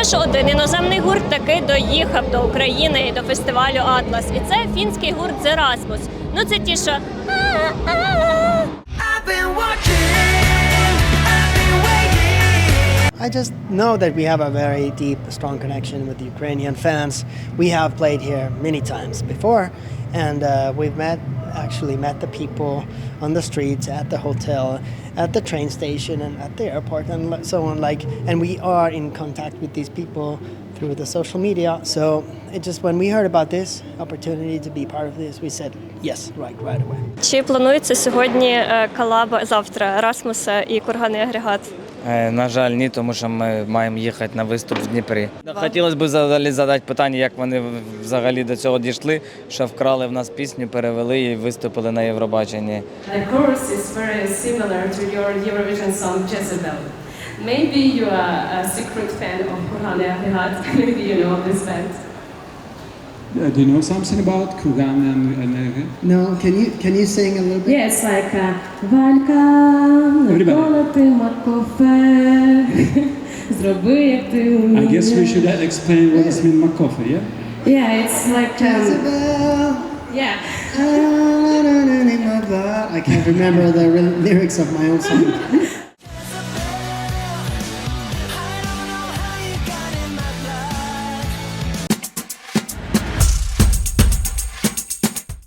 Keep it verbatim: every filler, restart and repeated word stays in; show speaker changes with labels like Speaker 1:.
Speaker 1: що один іноземний гурт таки доїхав до України і до фестивалю «Атлас». І це фінський гурт «The Rasmus». Ну це ті, що...
Speaker 2: I just know that we have a very deep, strong connection with the Ukrainian fans. We have played here many times before, and uh, we've met, actually met the people on the streets, at the hotel, at the train station, and at the airport, and so on. Like, and we are in contact with these people through the social media. So it just when we heard about this opportunity to be part of this, we said yes, right, right away.
Speaker 1: Чи планується сьогодні колаба завтра Расмуса і Курганний агрегат?
Speaker 3: На жаль, ні, тому що ми маємо їхати на виступ в Дніпрі. Хотілося б взагалі задати питання, як вони взагалі до цього дійшли, що вкрали в нас пісню, перевели і виступили на Євробаченні.
Speaker 4: The chorus is very similar to your Eurovision song Jezebel. Maybe you are a secret fan of Kурганний агрегат. Maybe you know this band.
Speaker 5: Uh, do you know something about Kурganний агрегат?
Speaker 2: No, can you can you sing a little bit?
Speaker 4: Yes, like uh, Валька, ніколи ти Маркофе, зроби як ти вмієш.
Speaker 5: I guess we should explain what does mean Markoffe, yeah?
Speaker 4: Yeah, it's like um,
Speaker 2: Jezebel.
Speaker 4: yeah.
Speaker 2: I can't remember the lyrics of my own song.